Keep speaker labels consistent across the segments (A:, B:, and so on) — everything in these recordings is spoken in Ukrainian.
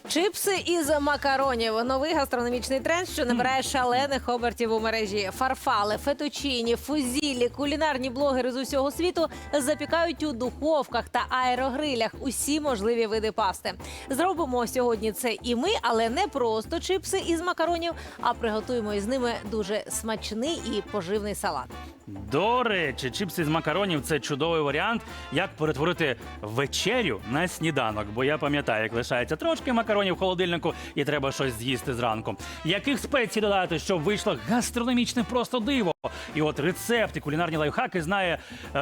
A: Чипси із макаронів. Новий гастрономічний тренд, що набирає шалених обертів у мережі. Фарфали, фетучині, фузілі, кулінарні блогери з усього світу запікають у духовках та аерогрилях усі можливі види пасти. Зробимо сьогодні це і ми, але не просто чипси із макаронів, а приготуємо із ними дуже смачний і поживний салат.
B: До речі, чипси з макаронів – це чудовий варіант, як перетворити вечерю на сніданок. Бо я пам'ятаю, як лишається трошки макаронів в холодильнику і треба щось з'їсти зранку. Яких спецій додати, щоб вийшло гастрономічне просто диво? І от рецепти, кулінарні лайфхаки знає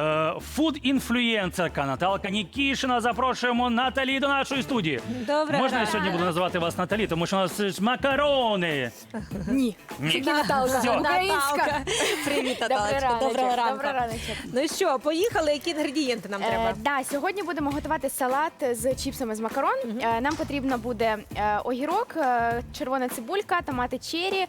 B: фуд-інфлюєнсерка Наталка Нікішина. Запрошуємо Наталі до нашої студії.
A: Добре.
B: Можна я сьогодні буду називати вас Наталі, тому що у нас ж макарони.
C: Ні.
B: Ні.
C: Наталка.
B: Всьо.
C: Українська.
A: Привіт, Наталочка. Доброго ранку.
C: Доброго раночку.
A: Ну що, поїхали? Які інгредієнти нам треба?
C: Да, сьогодні будемо готувати салат з чіпсами з макарон. Нам потрібно буде огірок, червона цибулька, томати черрі,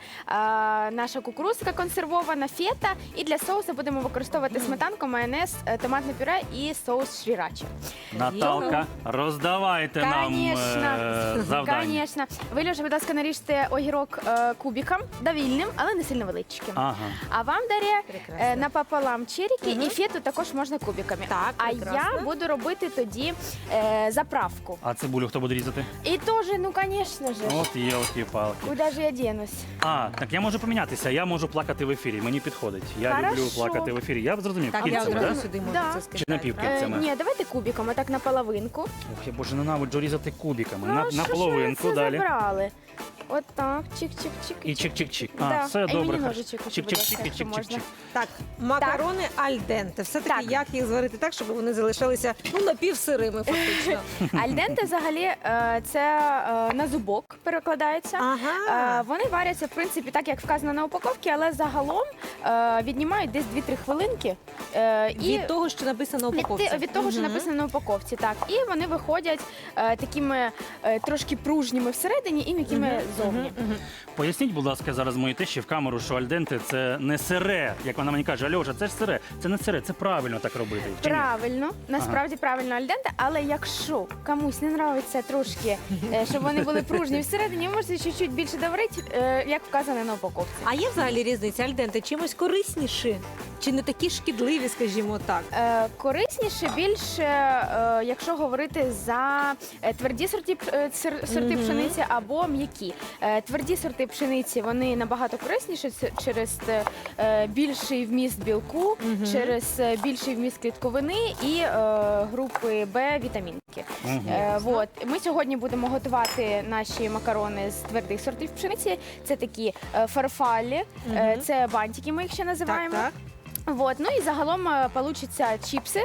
C: наша кукурудзка консервована, фета. І для соусу будемо використовувати сметанку, майонез, томатне пюре і соус шрірачі.
B: Наталка, роздавайте нам завдання.
C: Конечно. Ви, Льоша, будь ласка, наріжте огірок кубиком, довільним, але не сильно величким.
B: Ага.
C: А вам, Дар'я,
A: Прекрасно.
C: напополам черіки і фету також можна кубиками.
A: Так,
C: а
A: прекрасно.
C: я буду робити тоді заправку.
B: А цибулю хто буде різати?
C: І теж, ну, звісно ж.
B: От елки-палки.
C: Куди ж я денусь?
B: А, так я можу помінятися, я можу плакати в ефірі, мені підходить. Я люблю
C: Хорошо.
B: плакати в ефірі. Я зрозумів,
A: Так, я
B: кільцями,
A: одразу
B: да?
A: сюди можу
C: Да.
A: це
B: Чи
A: сказати.
B: напівкільцями?
C: Ні, давайте кубиком, отак на половинку.
B: Ох, я боже, ненавиджу різати кубиками.
C: Ну,
B: На
C: що ж ви
B: половинку
C: це
B: далі.
C: забрали? От так, чик-чик-чик.
B: І чик-чик-чик. А,
C: Да.
B: все
C: А й
B: добре.
C: мені
B: хорошо.
C: ножичок, будь ласка,
B: Чик-чик-чик і
C: якщо можна.
B: чик-чик-чик.
A: Так, макарони альденте. Все-таки
C: Так.
A: як їх зварити так, щоб вони залишалися напівсирими фактично.
C: Альденте взагалі це на зубок перекладається.
A: Ага.
C: Вони варяться, в принципі, так, як вказано на упаковці, але загалом віднімають десь 2-3 хвилинки.
A: Від того, що написано у упаковці.
C: Від того, що написано на упаковці, так. І вони виходять такими трошки пружніми всередині і м'якими ззовні.
B: Поясніть, будь ласка, зараз моїй тещі в камеру, що альденте – це не сире. Як вона мені каже, Альоша, це ж сире. Це не сире, це правильно так робити. Чи ні?
C: Правильно, насправді правильно альденте, але якщо комусь не подобається трошки, щоб вони були пружні всередині, ви можете чуть-чуть більше доварити, як вказано на упаковці.
A: А є взагалі різниця? Альденте чимось корисніші? Чи не такі шкідливі, скажімо так?
C: Корисніше більше, якщо говорити за тверді сорти пшениці або м'які. Тверді сорти пшениці, вони набагато корисніші через більший вміст білку, через більший вміст клітковини і групи Б вітамінки. Вот. Ми сьогодні будемо готувати наші макарони з твердих сортів пшениці. Це такі фарфалі, це бантики, ми їх ще називаємо.
A: Так.
C: Вот. Ну і загалом получаться чіпси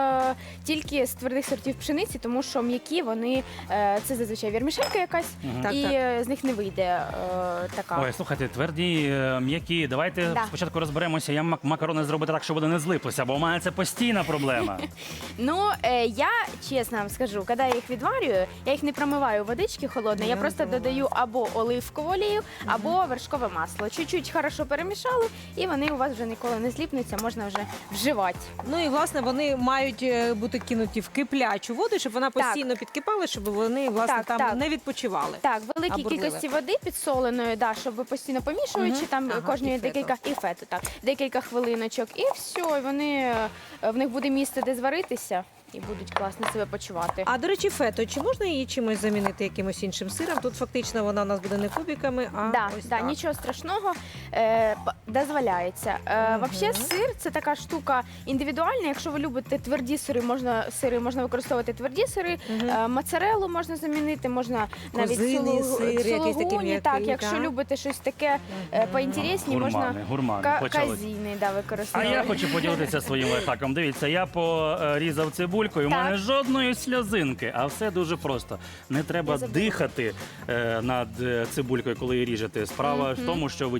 C: тільки з твердих сортів пшениці, тому що м'які вони це зазвичай вірмішелька якась,
A: Так,
C: і
A: так.
C: з них не вийде така.
B: Ой, слухайте, тверді, м'які. Давайте
C: Да.
B: спочатку розберемося, як макарони зробити так, щоб вони не злиплися, бо у мене це постійна проблема.
C: Ну, я чесно вам скажу, коли я їх відварюю, я їх не промиваю водички холодної, я просто додаю або оливкову олію, або вершкове масло. Чуть-чуть хорошо перемішали, і вони у вас вже ніколи не зліпнуться, можна вже вживати.
A: Ну і власне вони мають бути кинуті в киплячу воду, щоб вона постійно підкипала, щоб вони власне
C: Так,
A: там
C: так.
A: не відпочивали.
C: Так, великій
A: Або
C: кількості води підсоленої, да, щоб ви постійно помішуючи, там
A: Ага,
C: кожні
A: і фету.
C: декілька хвилиночок, і все, і вони, в них буде місце, де зваритися, і будуть класно себе почувати.
A: А до речі, фето, чи можна її чимось замінити якимось іншим сиром? Тут фактично вона у нас буде не кубиками, а ось
C: Да,
A: так.
C: нічого страшного, дозволяється. Взагалі, сир це така штука індивідуальна. Якщо ви любите тверді сири, можна використовувати тверді сири, моцареллу можна замінити, можна навіть
A: Козиний сир, якийсь такий
C: сулугуні. Так,
A: м'який,
C: якщо
A: так?
C: любите щось таке поінтересні, можна
B: Гурмани, почали.
C: казіни
B: А
C: використовувати.
B: я хочу поділитися своїм лайфхаком. Дивіться, я порізав цибульку, і у
C: Так.
B: мене жодної сльозинки, а все дуже просто. Не треба
C: Я забула.
B: дихати над цибулькою, коли її ріжете. Справа в тому, що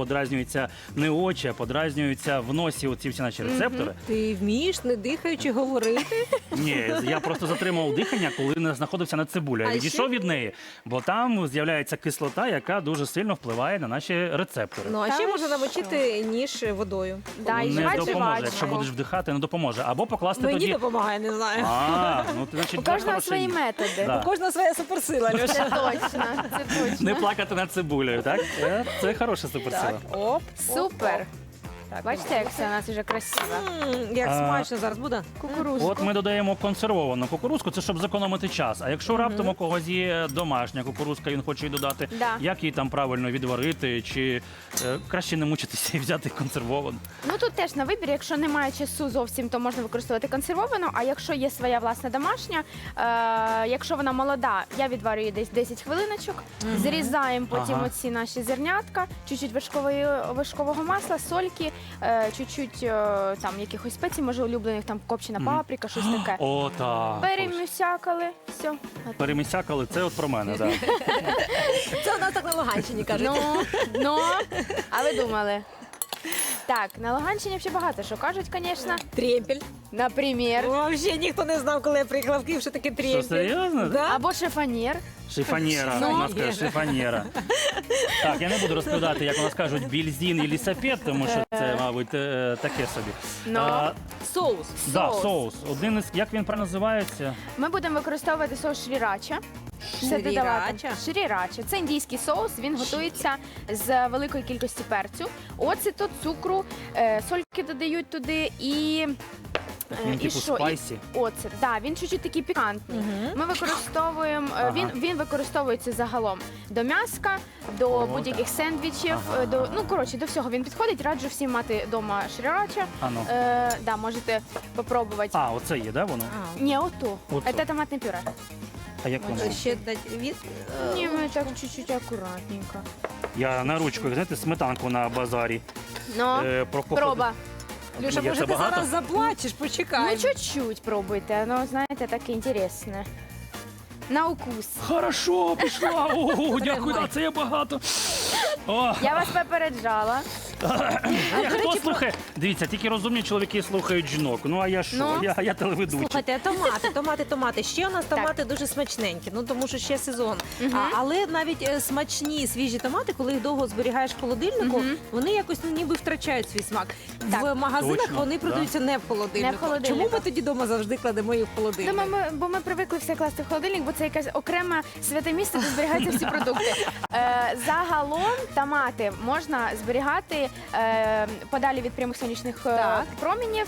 B: подразнюються не очі, а подразнюються в носі оці всі наші рецептори.
A: Ти вмієш, не дихаючи, говорити?
B: Ні, я просто затримав дихання, коли не знаходився на цибулі. Я
A: А
B: відійшов
A: ще?
B: від неї, бо там з'являється кислота, яка дуже сильно впливає на наші рецептори.
A: Ну, а
C: Та
A: ще
C: ви
A: можна
C: що?
A: намочити ніж водою.
C: Да, і
B: Не
C: жвачку.
B: допоможе. Якщо будеш вдихати, не допоможе. Або покласти
A: Мені
B: тоді.
A: допомагає, не знаю.
B: Ну значить,
C: У
B: це
C: кожного
B: хороша
C: свої
B: їжа.
C: методи.
B: Да.
A: У кожного своя суперсила, Льоша.
C: Це точно, це точно.
B: Не плакати над цибулею, так? Це хороша суперсила.
A: Оп.
C: Супер.
A: Так,
C: Бачите, як все у нас вже красиво.
A: Як
B: А,
A: смачно зараз буде.
C: Кукурузку.
B: От ми додаємо консервовану кукурузку, це щоб зекономити час. А якщо раптом у когось є домашня кукурузка, він хоче її додати,
C: Да.
B: як її там правильно відварити, чи краще не мучитися і взяти консервовану?
C: Ну тут теж на вибір, якщо немає часу зовсім, то можна використовувати консервовану, а якщо є своя власна домашня, якщо вона молода, я відварюю десь 10 хвилиночок, зрізаємо потім
B: Ага.
C: оці наші зернятка, чуть-чуть вершкового масла, сольки, чуть-чуть там якихось спецій, може улюблених, там копчена паприка, щось таке.
B: О, так.
C: Перемісякали, все.
B: Перемісякали, це от про мене, так.
A: Це у нас так на Луганщині кажуть.
C: Ну, а ви думали? Так, на Луганщині ще багато що кажуть, звісно.
A: Трємпель.
C: Наприклад.
A: Взагалі ніхто не знав, коли я приїхала в Київ, що таке трємпель.
B: Що, серйозно?
A: Да?
C: Або шифонєр.
B: Шифонєра,
A: Ну.
B: у нас каже шифонєра. Так, я не буду розповідати, як у нас кажуть, більзін і лісапет, тому що це, мабуть, таке собі.
C: Ну.
A: Соус.
B: Да, соус. Один із, як він правильно називається?
C: Ми будемо використовувати соус шрірача. Все додавати.
A: Шрірача?
C: Шрірача. Це індійський соус, він готується з великої кількості перцю, оцету, цукру, сольки додають туди і...
B: Він
C: і
B: типу
C: що?
B: спайсі.
C: Оцет, да, він чуть-чуть такий пікантний. Ми використовуємо,
B: Ага.
C: він використовується загалом до м'яска, до
B: О,
C: будь-яких
B: так.
C: сендвічів,
B: Ага.
C: ну коротше, до всього він підходить. Раджу всім мати вдома шрірача.
B: А ну.
C: Да, можете попробувати.
B: А, оце є, да, воно?
C: Ні, ото.
B: Ото.
C: Це томатне пюре.
B: А як воно?
A: Ще дать від...
C: Ні, ми так чуть-чуть акуратненько.
B: Я на ручку, знаєте, сметанку на базарі.
C: Ну,
B: Прокопати.
C: проба.
A: Люша,
B: Є
A: може
B: це
A: ти
B: багато?
A: зараз заплачеш, почекай.
C: Ну, чуть-чуть пробуйте, ну, знаєте, таке інтересне. На укус.
B: Хорошо, пішла. О, дякую, да, це є багато. О,
C: Я вас попереджала.
B: хто слухає? Дивіться, тільки розумні чоловіки слухають жінок. Ну, а я що?
C: Ну.
B: Я телеведучий.
A: Слухайте, томати. Ще у нас томати дуже смачненькі, ну тому що ще сезон. Але навіть смачні свіжі томати, коли їх довго зберігаєш в холодильнику, вони якось ну, ніби втрачають свій смак.
C: Так.
A: В магазинах
B: Точно,
A: вони
B: да.
A: продаються не в холодильнику.
C: Не в холодильнику.
A: Чому ми тоді вдома завжди кладемо їх в холодильник?
C: Бо ми привикли все класти в холодильник, бо це якесь окреме святе місце, де зберігаються всі продукти. Загалом томати можна зберігати подалі від прямих сонячних
A: Так.
C: промінів.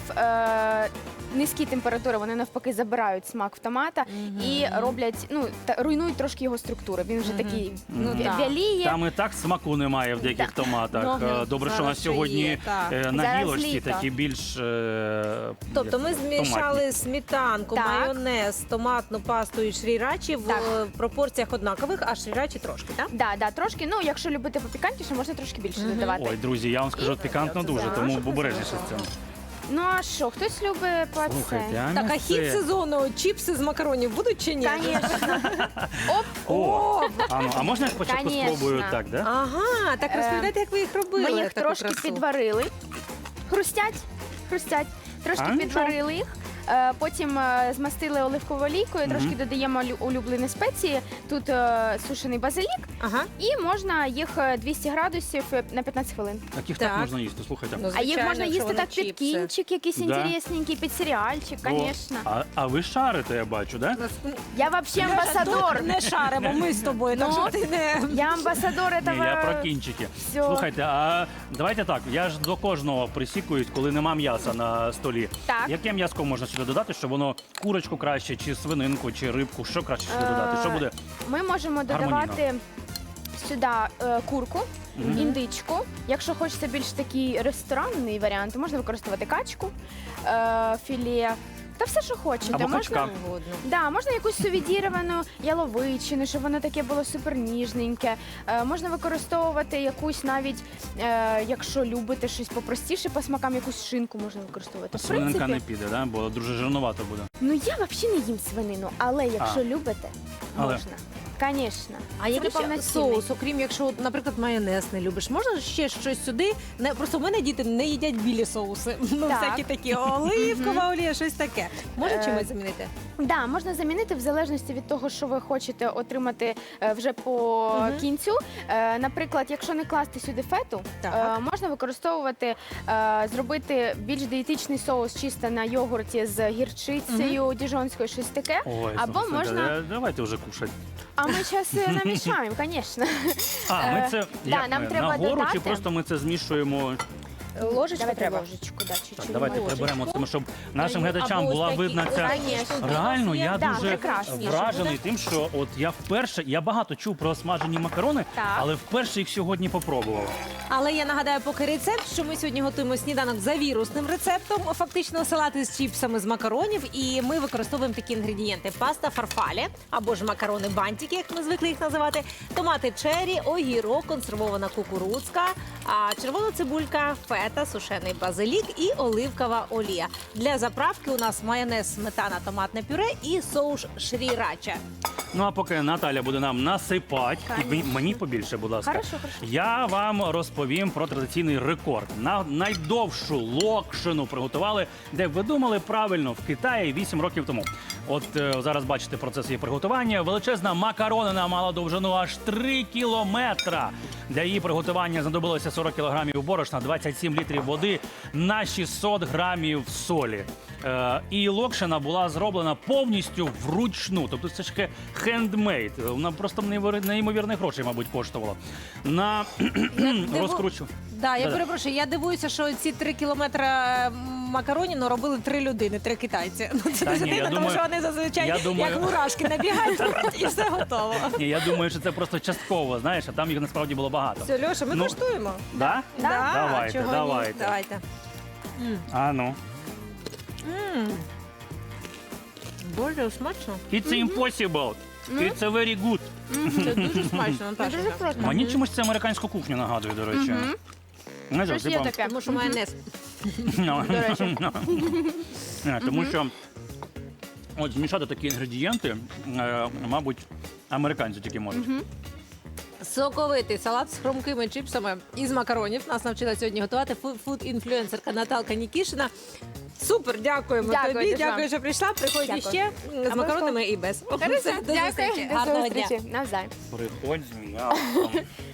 C: Низькі температури, вони навпаки забирають смак в томата і роблять, ну, руйнують трошки його структуру. Він вже такий
A: так.
C: вяліє.
B: Там і так смаку немає в деяких
C: Так.
B: томатах.
C: Ну,
B: Добре, що у
A: зараз
B: нас
A: ще є,
B: сьогодні
A: так.
B: на
C: Зараз
B: гілочці
C: літо.
B: такі більш
A: Тобто ми змішали
B: томатні.
A: сметанку,
C: Так.
A: майонез, томатну пасту і шрірачі в
C: Так.
A: пропорціях однакових, а шрірачі трошки, так?
C: Да, трошки. Ну, якщо любите попікантніше, можна трошки більше додавати.
B: Ой, друзі, я вам скажу пікантно дуже, тому обережніше з цим.
C: Ну а що, хтось любить по
B: Слухайте,
C: це?
B: а
A: Так, а хід
B: м'ясе?
A: сезону чіпси з макаронів будуть чи ні?
C: Звісно. Оп,
B: О, а можна я спочатку
C: Конечно.
B: спробую так, да?
A: Ага, так розповідайте, як ви їх робили.
C: ми їх
A: таку
C: трошки
A: красу.
C: підварили. Хрустять. Трошки
B: А, нічого.
C: підварили їх. Потім змастили оливковою олійкою, трошки додаємо улюблені спеції. Тут сушений базилік,
A: Ага.
C: і можна їх 200 градусів на 15 хвилин.
B: Таких
A: Так.
B: так можна їсти, слухайте.
A: Ну,
C: А їх
A: звичайно,
C: можна
A: якщо
C: їсти
A: вони
C: так під
A: чіпси.
C: кінчик, якийсь
B: Да.
C: інтересненький, під серіальчик,
B: О,
C: звісно.
B: а ви шарите, я бачу, да?
C: Я взагалі амбасадор.
A: Не шаримо, ми з тобою, так
C: Ну,
A: що ти не...
C: Я амбасадор
B: Ні,
C: этого.
B: я про кінчики.
C: Всьо.
B: Слухайте, а давайте так, я ж до кожного присікуюсь, коли нема м'яса на столі.
C: Так.
B: Яке м'яско можна сюди додати, щоб воно курочку краще, чи свининку, чи рибку, що краще сюди додати? Що буде?
C: Ми можемо додавати сюди курку, індичку. Якщо хочеться більш такий ресторанний варіант, то можна використовувати качку, філе. Та все, що хочете.
B: Або качка.
C: Да, можна якусь сувідіровану яловичину, щоб воно таке було супер ніжненьке. Можна використовувати якусь навіть, якщо любите щось попростіше по смакам, якусь шинку можна використовувати. В
B: Свининка
C: принципі,
B: не піде, да? Бо дуже жирнувато буде.
C: ну я взагалі не їм свинину, але якщо любите,
B: Але.
C: можна. Звісно.
A: А який ще
C: повноцінний.
A: соус, окрім якщо, наприклад, майонез не любиш, можна ще щось сюди? Просто в мене діти не їдять білі соуси. Ну,
C: Так.
A: всякі такі оливкова олія, щось таке. Може
C: Е,
A: чимось замінити?
C: Да, можна замінити в залежності від того, що ви хочете отримати вже по кінцю. Наприклад, якщо не класти сюди фету,
A: Так.
C: можна використовувати, зробити більш дієтичний соус чисто на йогурті з гірчицею, діжонською, щось таке.
B: Ой,
C: Або
B: слухайте,
C: можна.
B: давайте вже кушати.
C: А ми зараз намішаємо, звісно.
B: А, ми це
C: да,
B: як
C: нам
B: ми,
C: треба
B: нагору
C: додати.
B: чи просто ми це змішуємо?
A: Ложечку
C: Давайте
A: треба?
C: ложечку, да, чуть-чуть.
B: Так, давайте
A: ложечку.
B: приберемо це, щоб нашим
A: Або
B: глядачам
A: ось
B: була
A: такі.
B: видна ця.
C: Конечно.
B: Реально, я
C: Да,
B: дуже
C: прекрасніше
B: вражений
A: буде.
B: тим, що от я вперше, я багато чув про смажені макарони,
C: Так.
B: але вперше їх сьогодні попробував.
A: Але я нагадаю, поки рецепт, що ми сьогодні готуємо сніданок за вірусним рецептом, фактично салати з чіпсами з макаронів, і ми використовуємо такі інгредієнти: паста фарфале, або ж макарони бантики, як ми звикли їх називати, томати чері, огірок, консервована кукурудзка, червона цибулька, фета, сушений базилік і оливкова олія. Для заправки у нас майонез, сметана, томатне пюре і соус шрірача.
B: Ну а поки Наталя буде нам насипати, і мені побільше, будь ласка.
C: Хорошо, хорошо.
B: Я вам розповім про традиційний рекорд. На найдовшу локшину приготували, де ви думали правильно, в Китаї 8 років тому. От зараз бачите процес її приготування. Величезна макаронина мала довжину аж 3 кілометра. Для її приготування знадобилося 40 кілограмів борошна, 27 літрів води на 600 грамів солі. І локшина була зроблена повністю вручну. Тобто це ж хендмейд. Вона просто неймовірних грошей, мабуть, коштувала. На розкручу.
A: Да, я
B: Да-да.
A: перепрошую, я дивуюся, що ці 3 кілометри макаронів робили 3 людини, 3 китайці. Ну, це
B: Та
A: дуже
B: ні, я
A: дивно, тому
B: думаю-
A: що вони зазвичай
B: я думаю-
A: як мурашки набігають і все готово.
B: Ні, я думаю, що це просто частково, знаєш, а там їх насправді було багато.
A: Все, Льоша, ми
B: Ну,
A: коштуємо.
B: Да?
A: Да,
B: Давайте,
A: чого ні?
B: давайте.
A: Давайте.
B: А ну.
A: Боже, смачно.
B: It's impossible. It's a very good.
A: Це дуже смачно, Наташа.
C: Дуже просто.
B: Мені чомусь це американську кухню нагадує, до речі. Знаєте,
C: Щось є
B: типа,
C: таке.
A: Тому що майонез.
B: ну,
C: До речі.
B: Тому що от змішати такі інгредієнти, мабуть, американці тільки можуть.
A: Соковитий салат з хрумкими чіпсами із макаронів. Нас навчила сьогодні готувати фуд-інфлюенсерка Наталка Нікішина. Супер, дякуємо
C: Дякую
A: тобі.
C: дуже
A: Дякую,
C: вам.
A: що прийшла. Приходь
C: Дякую.
A: іще з макаронами і без.
C: Хорошо,
A: Все, до
C: дякую.
A: зустрічі.
C: До
A: Гарного дня.
C: зустрічі. Навзаєм.
B: Приходь з м'ясом.